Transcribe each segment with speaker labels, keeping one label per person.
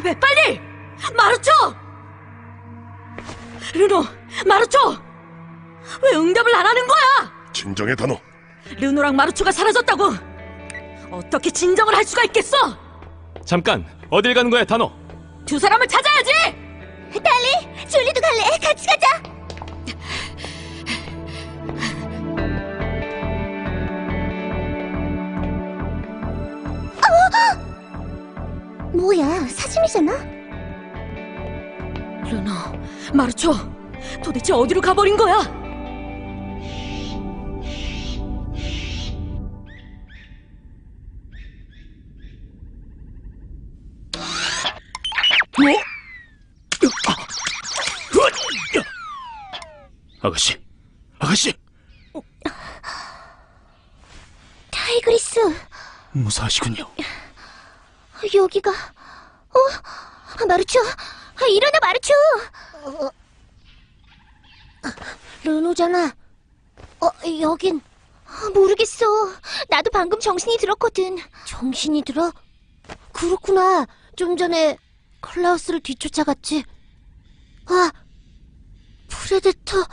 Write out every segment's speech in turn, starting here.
Speaker 1: 대답해, 빨리! 마루초! 르노, 마루초! 왜 응답을 안 하는 거야?
Speaker 2: 진정해, 다노.
Speaker 1: 르노랑 마루초가 사라졌다고! 어떻게 진정을 할 수가 있겠어?
Speaker 3: 잠깐, 어딜 가는 거야, 다노?
Speaker 1: 두 사람을 찾아야지!
Speaker 4: 달리, 줄리도 갈래? 같이 가자. 뭐야, 사진이잖아?
Speaker 1: 르노, 마루초, 도대체 어디로 가버린 거야?
Speaker 3: 아가씨, 아가씨!
Speaker 4: 타이그리스,
Speaker 3: 무사하시군요.
Speaker 4: 여기가... 마루초, 일어나, 마루초! 르노잖아. 여긴... 모르겠어. 나도 방금 정신이 들었거든. 정신이 들어? 그렇구나. 좀 전에 클라우스를 뒤쫓아갔지. 아, 프레데터...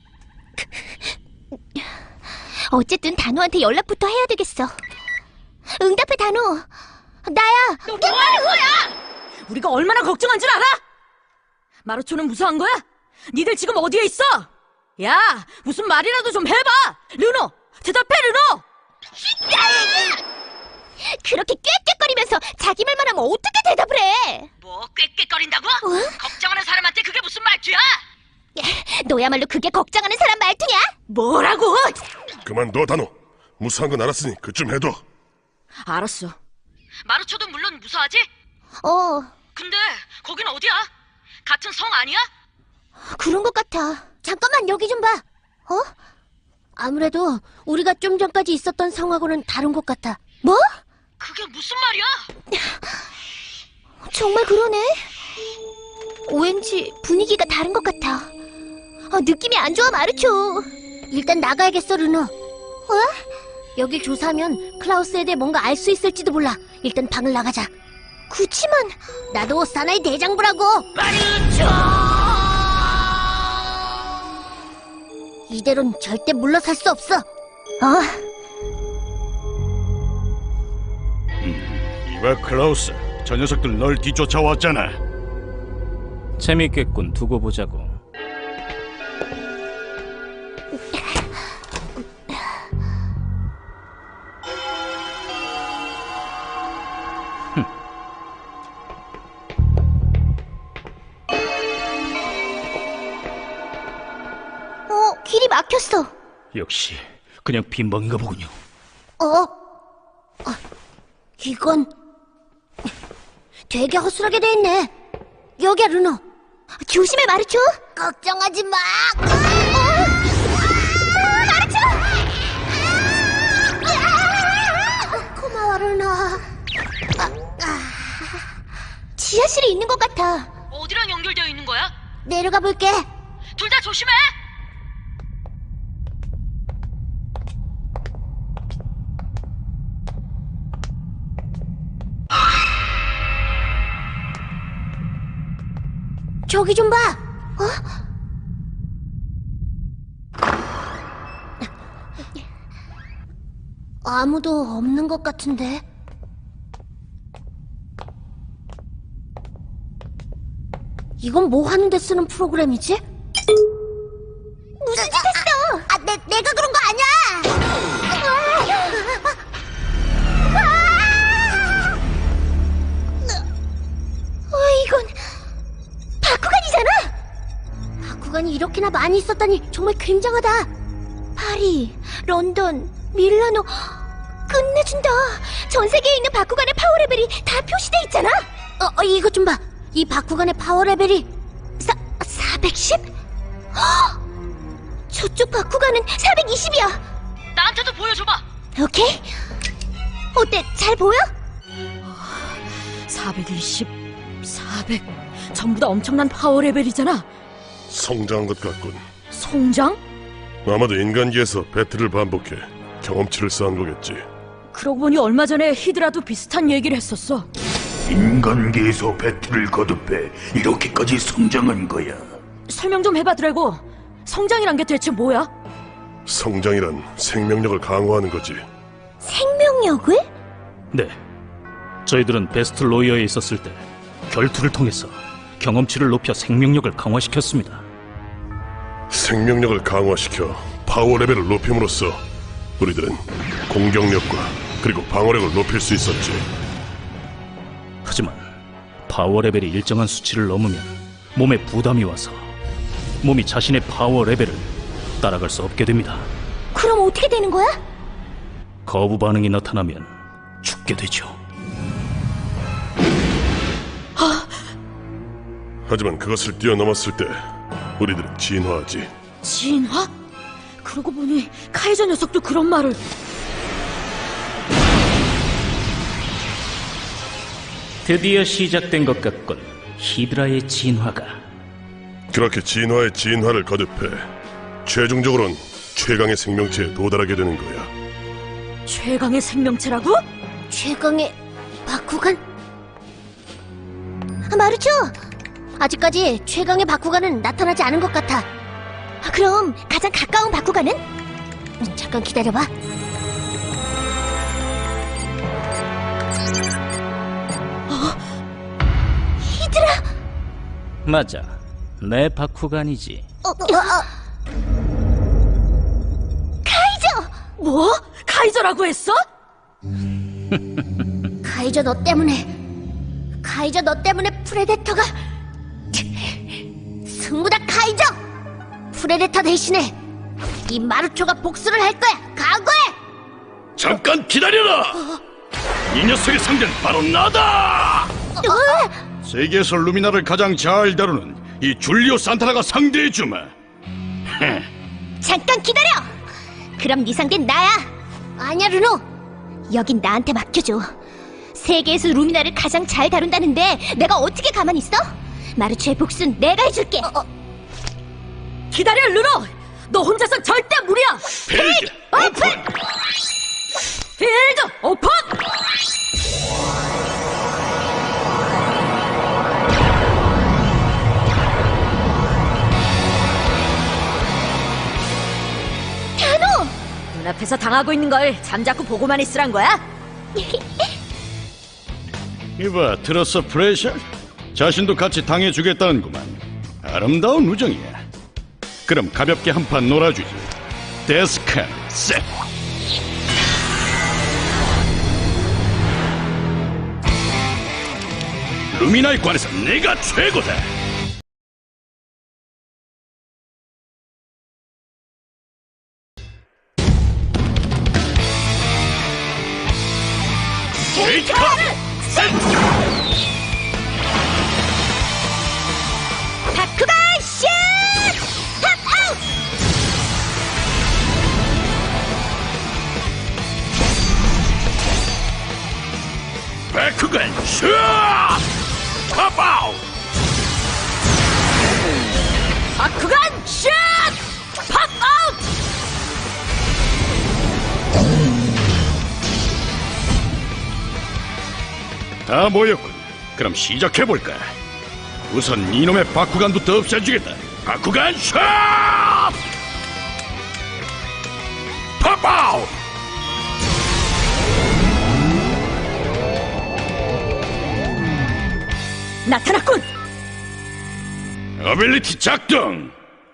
Speaker 4: 어쨌든 단호한테 연락부터 해야 되겠어. 응답해, 단호. 나야.
Speaker 1: 너 뭐 하는 거야? 우리가 얼마나 걱정한 줄 알아? 마루초는 무사한 거야? 니들 지금 어디에 있어? 야, 무슨 말이라도 좀 해봐! 르노! 대답해, 르노!
Speaker 4: 그렇게 꾀꾀거리면서 자기 말만 하면 어떻게 대답을 해?
Speaker 1: 뭐 꾀꾀거린다고? 걱정하는 사람한테 그게 무슨 말투야?
Speaker 4: 너야말로 그게 걱정하는 사람 말투냐?
Speaker 1: 뭐라고?
Speaker 2: 그만둬, 다노. 무사한 건 알았으니 그쯤 해둬.
Speaker 1: 알았어. 마루초도 물론 무사하지? 근데 거긴 어디야? 같은 성 아니야?
Speaker 4: 그런 것 같아. 잠깐만, 여기 좀 봐. 아무래도 우리가 좀 전까지 있었던 성하고는 다른 것 같아. 뭐?
Speaker 1: 그게 무슨 말이야?
Speaker 4: 정말 그러네. 왠지 분위기가 다른 것 같아. 느낌이 안 좋아, 마루초. 일단 나가야겠어, 르노. 여길 조사하면 클라우스에 대해 뭔가 알 수 있을지도 몰라. 일단 방을 나가자. 그치만 나도 사나이 대장부라고.
Speaker 1: 마루초!
Speaker 4: 이대로는 절대 물러설 수 없어.
Speaker 5: 이봐, 클라우스. 저 녀석들 널 뒤쫓아왔잖아.
Speaker 3: 재밌겠군, 두고 보자고.
Speaker 4: 길이 막혔어.
Speaker 5: 역시 그냥 빈방인가 보군요.
Speaker 4: 이건 되게 허술하게 돼 있네. 여기야, 르노. 조심해, 마루초. 걱정하지 마. 마루초! 고마워, 르노. 지하실에 있는 것 같아.
Speaker 1: 어디랑 연결되어 있는 거야?
Speaker 4: 내려가 볼게.
Speaker 1: 둘 다 조심해!
Speaker 4: 저기 좀 봐. 아무도 없는 것 같은데. 이건 뭐 하는데 쓰는 프로그램이지? 무슨 짓 했어? 내가 그런 거 아니야. 이건 바쿠간이잖아. 바쿠간이 이렇게나 많이 있었다니 정말 굉장하다. 파리, 런던, 밀라노. 끝내준다. 전 세계에 있는 바쿠간의 파워 레벨이 다 표시돼 있잖아. 이것 좀 봐. 이 바쿠간의 파워 레벨이 410? 저쪽 바쿠간은 420이야.
Speaker 1: 나한테도 보여줘봐.
Speaker 4: 오케이. 어때? 잘 보여?
Speaker 1: 420, 400 전부 다 엄청난 파워 레벨이잖아.
Speaker 2: 성장한 것 같군.
Speaker 1: 송장?
Speaker 2: 아마도 인간기에서 배틀을 반복해 경험치를 쌓은 거겠지.
Speaker 1: 그러고 보니 얼마 전에 히드라도 비슷한 얘기를 했었어.
Speaker 6: 인간계에서 배틀을 거듭해 이렇게까지 성장한 거야.
Speaker 1: 설명 좀 해봐, 드래고. 성장이란 게 대체 뭐야?
Speaker 2: 성장이란 생명력을 강화하는 거지.
Speaker 4: 생명력을?
Speaker 3: 네. 저희들은 베스트 로이어에 있었을 때 결투를 통해서 경험치를 높여 생명력을 강화시켰습니다.
Speaker 2: 생명력을 강화시켜 파워 레벨을 높임으로써 우리들은 공격력과 그리고 방어력을 높일 수 있었지.
Speaker 3: 하지만 파워 레벨이 일정한 수치를 넘으면 몸에 부담이 와서 몸이 자신의 파워 레벨을 따라갈 수 없게 됩니다.
Speaker 4: 그럼 어떻게 되는 거야?
Speaker 3: 거부 반응이 나타나면 죽게 되죠.
Speaker 2: 하지만 그것을 뛰어넘었을 때 우리들은 진화하지.
Speaker 1: 진화? 그러고 보니 카이저 녀석도 그런 말을.
Speaker 3: 드디어 시작된 것 같군. 히드라의 진화가.
Speaker 2: 그렇게 진화의 진화를 거듭해 최종적으로는 최강의 생명체에 도달하게 되는 거야.
Speaker 1: 최강의 생명체라고?
Speaker 4: 최강의 바쿠간? 마르초! 아직까지 최강의 바쿠간은 나타나지 않은 것 같아. 그럼 가장 가까운 바쿠간은? 잠깐 기다려봐. 히드라!
Speaker 3: 맞아. 내 바쿠간이지.
Speaker 4: 카이저!
Speaker 1: 뭐? 카이저라고 했어?
Speaker 4: 카이저 너 때문에 프레데터가 승부다 카이저! 프레데터 대신에 이 마루초가 복수를 할 거야. 각오해!
Speaker 5: 잠깐 기다려라! 이 녀석의 상대는 바로 나다! 세계에서 루미나를 가장 잘 다루는 이 줄리오 산타나가 상대해주마.
Speaker 4: 잠깐 기다려! 그럼 네 상대는 나야. 아니야 루노, 여긴 나한테 맡겨줘. 세계에서 루미나를 가장 잘 다룬다는데 내가 어떻게 가만히 있어? 마루초의 복수는 내가 해줄게.
Speaker 1: 기다려, 루노! 너 혼자선 절대 무리야!
Speaker 5: 필드 오픈!
Speaker 1: 필드 오픈!
Speaker 4: 단호!
Speaker 1: 눈앞에서 당하고 있는 걸 잠자코 보고만 있으란 거야?
Speaker 5: 이봐, 들었어 프레셔? 자신도 같이 당해주겠다는구만. 아름다운 우정이야. 그럼 가볍게 한판 놀아주지. 데스칸 셋! 루미나에 관해서 내가 최고다. 게이트카드 셋!
Speaker 4: 바쿠간 슛! 탑 아웃!
Speaker 5: 바쿠간 슛! 팝아웃!
Speaker 1: 바쿠간 슛! 팝 아웃!
Speaker 5: 다 모였군. 그럼 시작해볼까? 우선 이놈의 바쿠간부터 없애주겠다. 바쿠간 슛! 팝아웃!
Speaker 1: 나타났군!
Speaker 5: 어빌리티 작동!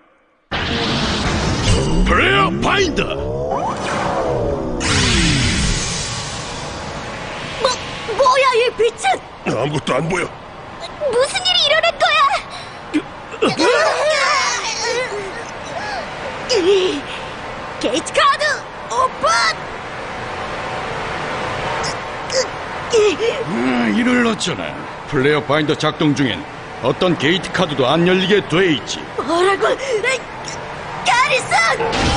Speaker 5: 플레이어 파인더!
Speaker 1: 뭐야, 이 빛은!
Speaker 2: 아무것도 안 보여.
Speaker 4: 무슨 일이 일어날 거야?
Speaker 1: 게이트 카드 오픈!
Speaker 5: 이를 어쩌나. 플레이어 파인더 작동 중엔 어떤 게이트 카드도 안 열리게 돼 있지.
Speaker 1: 뭐라고? 가리슨!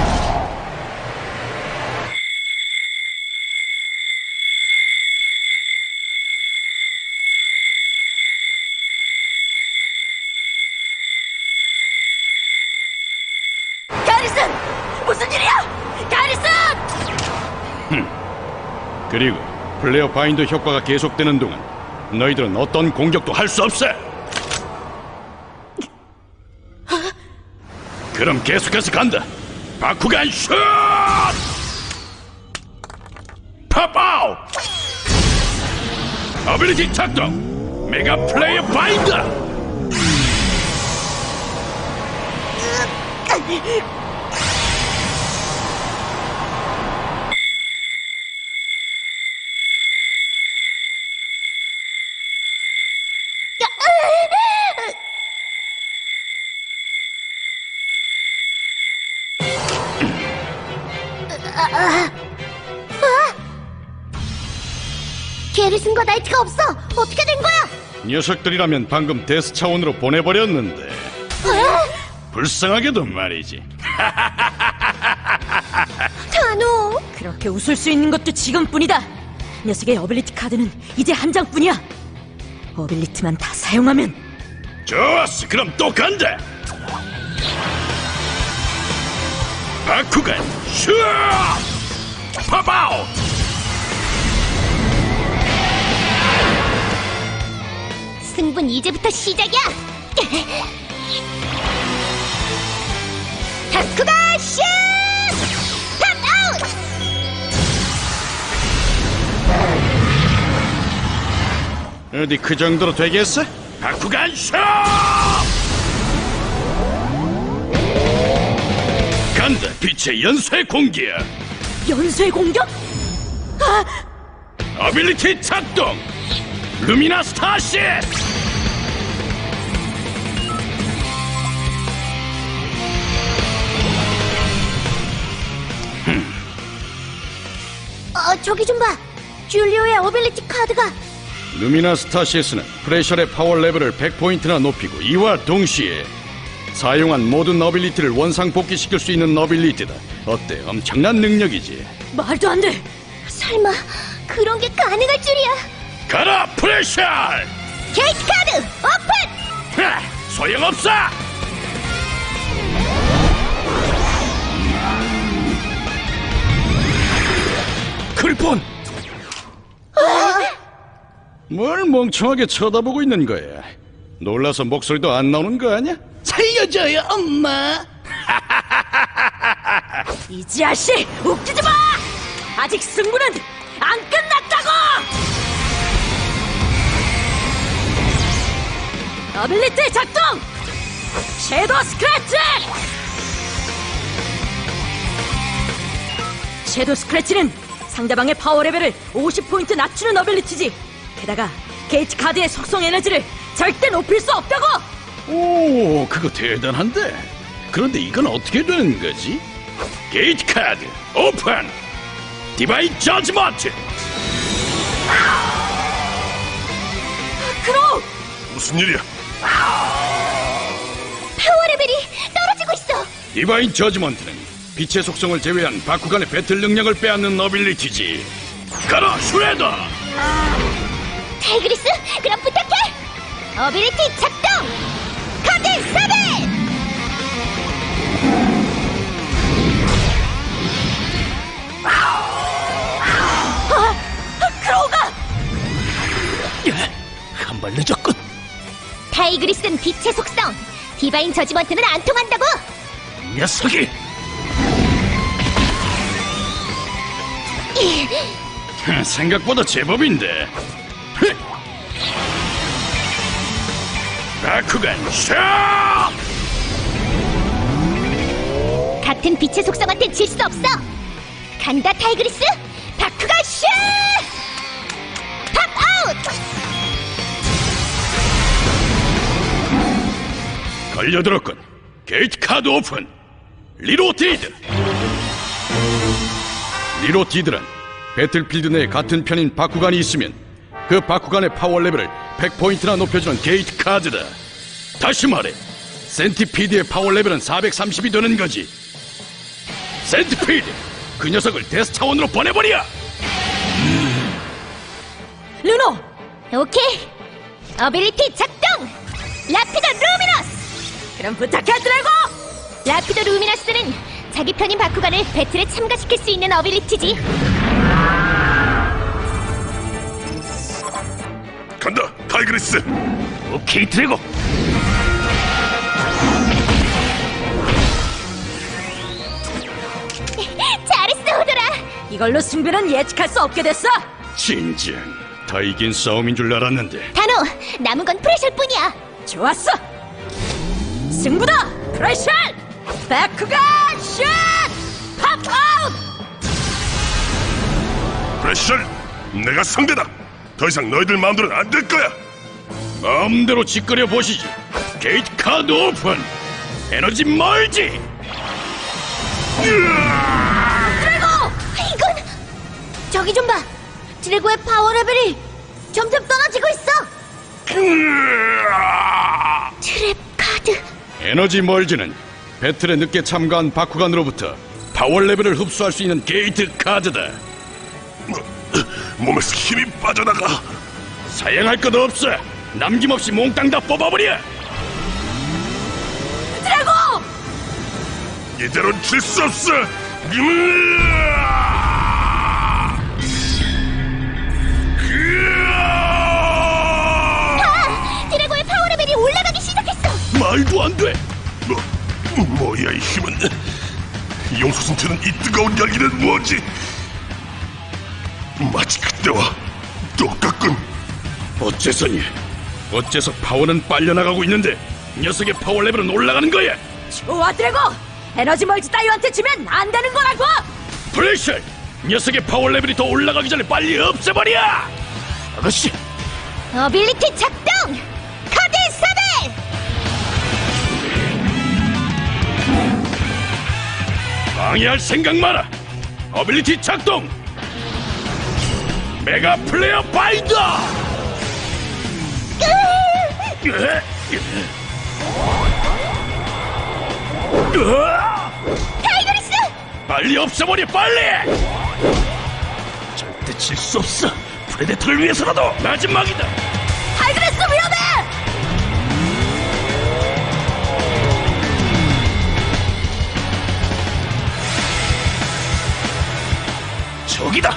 Speaker 1: 가리슨! 무슨 일이야? 가리슨!
Speaker 5: 그리고 플레이어 파인더 효과가 계속되는 동안 너희들은 어떤 공격도 할 수 없어. 그럼 계속해서 간다. 바쿠간 슛! 팝아웃! 어빌리티 작동! 메가 플레이어 바인더!
Speaker 4: 게리슨과 나이트가 없어. 어떻게 된 거야?
Speaker 5: 녀석들이라면 방금 데스 차원으로 보내버렸는데 불쌍하게도 말이지.
Speaker 4: 단호.
Speaker 1: 그렇게 웃을 수 있는 것도 지금뿐이다. 녀석의 어빌리티 카드는 이제 한 장뿐이야. 어빌리티만 다 사용하면.
Speaker 5: 좋았어, 그럼 또 간다. 바쿠간 슛! 팝아웃!
Speaker 4: 승부는 이제부터 시작이야. 바쿠간 슛! 팝아웃!
Speaker 5: 어디 그 정도로 되겠어? 바쿠간 슛! 간다, 빛의 연쇄 공기야.
Speaker 1: 연쇄 공격?
Speaker 5: 어빌리티 작동! 루미나 스타시!
Speaker 4: 저기 좀 봐. 줄리오의 어빌리티 카드가.
Speaker 5: 루미나 스타시스는 프레셜의 파워 레벨을 100포인트나 높이고 이와 동시에 사용한 모든 어빌리티를 원상 복귀시킬 수 있는 어빌리티다. 어때? 엄청난 능력이지.
Speaker 1: 말도 안 돼.
Speaker 4: 설마 그런 게 가능할 줄이야.
Speaker 5: 가라, 프레셜!
Speaker 4: 게이트 카드 오픈!
Speaker 5: 하, 소용없어! 크리폰! 뭘 멍청하게 쳐다보고 있는 거야? 놀라서 목소리도 안 나오는 거 아니야? 살려줘요, 엄마!
Speaker 1: 이 자식, 웃기지 마! 아직 승부는 안 끝났다고! 어빌리티 작동! 섀도우 스크래치! 섀도우 스크래치는 상대방의 파워 레벨을 50포인트 낮추는 어빌리티지. 게다가 게이트 카드의 속성 에너지를 절대 높일 수 없다고!
Speaker 5: 오, 그거 대단한데? 그런데 이건 어떻게 되는 거지? 게이트 카드 오픈! 디바인 저지먼트!
Speaker 1: 크로우!
Speaker 2: 무슨 일이야?
Speaker 4: 파워 레벨이 떨어지고 있어.
Speaker 5: 디바인 저지먼트는 빛의 속성을 제외한 바쿠간의 배틀 능력을 빼앗는 어빌리티지. 가라, 슈레더!
Speaker 4: 타이그리스, 그럼 부탁해. 어빌리티 작동. 카드 사벨.
Speaker 1: 크로우가!
Speaker 3: 한 발 늦었군.
Speaker 4: 타이그리스는 빛의 속성. 디바인 저지먼트는 안 통한다고.
Speaker 3: 녀석이!
Speaker 5: 생각보다 제법인데. 바쿠간 샷!
Speaker 4: 같은 빛의 속성한테 질 수 없어. 간다, 타이그리스. 바쿠간 슛! 팝아웃!
Speaker 5: 걸려들었군. 게이트 카드 오픈. 리로티드. 리로티드란 배틀필드 내에 같은 편인 바쿠간이 있으면 그 바쿠간의 파워 레벨을 100포인트나 높여주는 게이트 카드다. 다시 말해, 센티피드의 파워 레벨은 430이 되는 거지. 센티피드, 그 녀석을 데스 차원으로 보내버려.
Speaker 1: 르노!
Speaker 4: 오케이. 어빌리티 작동. 라피더 루미너스.
Speaker 1: 그럼 부탁해, 드래고!
Speaker 4: 라피더 루미너스는 자기 편인 바쿠간을 배틀에 참가시킬 수 있는 어빌리티지.
Speaker 2: 간다, 타이그리스.
Speaker 3: 오케이, 드래곤.
Speaker 4: 잘했어, 오더라.
Speaker 1: 이걸로 승부는 예측할 수 없게 됐어.
Speaker 5: 진정 다 이긴 싸움인 줄 알았는데.
Speaker 4: 단호, 남은 건 프레셔일 뿐이야.
Speaker 1: 좋았어. 승부다. 프레셔. 바쿠간 슛. 팝아웃.
Speaker 2: 프레셔, 내가 상대다. 더 이상 너희들 마음대로는 안 될 거야.
Speaker 5: 마음대로 짓거려 보시지. 게이트 카드 오픈. 에너지 멀지.
Speaker 4: 이건 저기 좀 봐. 드래고의 파워 레벨이 점점 떨어지고 있어. 트랩 카드.
Speaker 5: 에너지 멀지는 배틀에 늦게 참가한 바쿠간으로부터 파워 레벨을 흡수할 수 있는 게이트 카드다.
Speaker 2: 몸에서 힘이 빠져나가.
Speaker 5: 사양할 것 없어. 남김없이 몽땅 다 뽑아버려.
Speaker 1: 드래곤.
Speaker 2: 이대로는 질 수 없어.
Speaker 4: 드래고의 파워 레벨이 올라가기 시작했어.
Speaker 5: 말도 안 돼.
Speaker 2: 뭐야 이 힘은? 용수 상태는 이 뜨거운 열기는 뭐지? 마치 그때와 똑같군.
Speaker 5: 어째서니? 어째서 파워는 빨려나가고 있는데 녀석의 파워 레벨은 올라가는 거야?
Speaker 1: 좋아, 드래곤. 에너지 멀지 따위한테 지면 안 되는 거라고.
Speaker 5: 프레셔! 녀석의 파워 레벨이 더 올라가기 전에 빨리 없애버려! 아가씨!
Speaker 4: 어빌리티 작동. 카드 사벨.
Speaker 5: 방해할 생각 마라! 어빌리티 작동! 메가 플레이어 바이더!
Speaker 4: 타이거리스.
Speaker 5: 빨리 없애버려 빨리! 절대 질 수 없어! 프레데터를 위해서라도 마지막이다!
Speaker 1: 타이그레스 위험해.
Speaker 5: 저기다!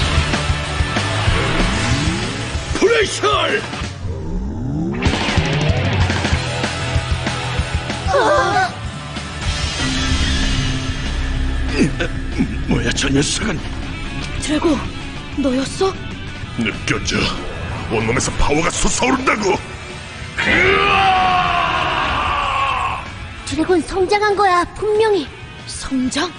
Speaker 5: 프레셔! 뭐야 저 녀석은?
Speaker 1: 드래곤, 너였어?
Speaker 2: 느껴져. 온몸에서 파워가 솟아오른다고.
Speaker 4: 드래곤 성장한 거야, 분명히.
Speaker 1: 성장?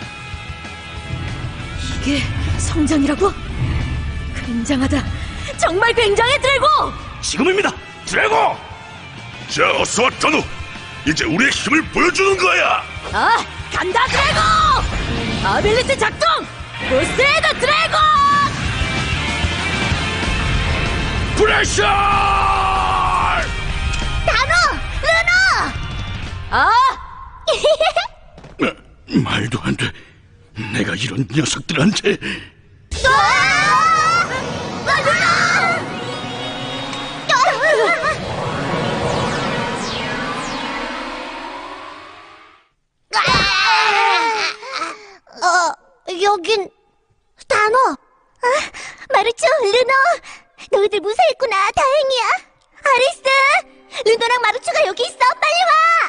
Speaker 1: 이게 성장이라고? 굉장하다. 정말 굉장해, 드래곤!
Speaker 5: 지금입니다! 드래곤!
Speaker 2: 자, 어서 와, 단호. 이제 우리의 힘을 보여주는 거야.
Speaker 1: 아, 간다, 드래곤! 어빌리티 작동! 부스트헤드 드래곤!
Speaker 5: 프레셔!
Speaker 4: 단호, 루노.
Speaker 1: 아!
Speaker 5: 말도 안 돼. 내가 이런 녀석들한테
Speaker 4: 여긴 단호. 마루초, 루노. 너희들 무사했구나. 다행이야. 아리스, 루노랑 마루초가 여기 있어. 빨리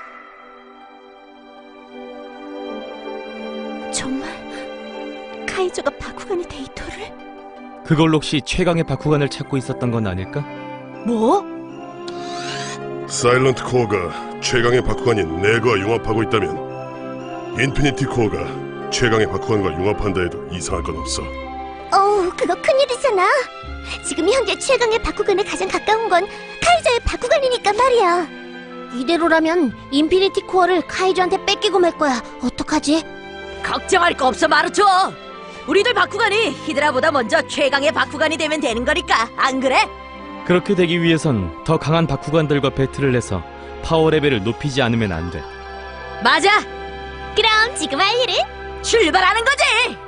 Speaker 4: 와. 정말 카이저가 바쿠간의 데이터를?
Speaker 7: 그걸로 혹시 최강의 바쿠간을 찾고 있었던 건 아닐까?
Speaker 1: 뭐?
Speaker 2: 사일런트 코어가 최강의 바쿠간인 내거와 융합하고 있다면 인피니티 코어가 최강의 바쿠간과 융합한다 해도 이상할 건 없어.
Speaker 4: 어우, 그거 큰일이잖아. 지금 현재 최강의 바쿠간에 가장 가까운 건 카이저의 바쿠간이니까 말이야. 이대로라면 인피니티 코어를 카이저한테 뺏기고 말 거야. 어떡하지?
Speaker 1: 걱정할 거 없어, 마루초. 우리들 바쿠간이 히드라보다 먼저 최강의 바쿠간이 되면 되는 거니까, 안 그래?
Speaker 7: 그렇게 되기 위해선 더 강한 바쿠간들과 배틀을 해서 파워 레벨을 높이지 않으면 안 돼.
Speaker 1: 맞아.
Speaker 4: 그럼 지금 할 일은?
Speaker 1: 출발하는 거지.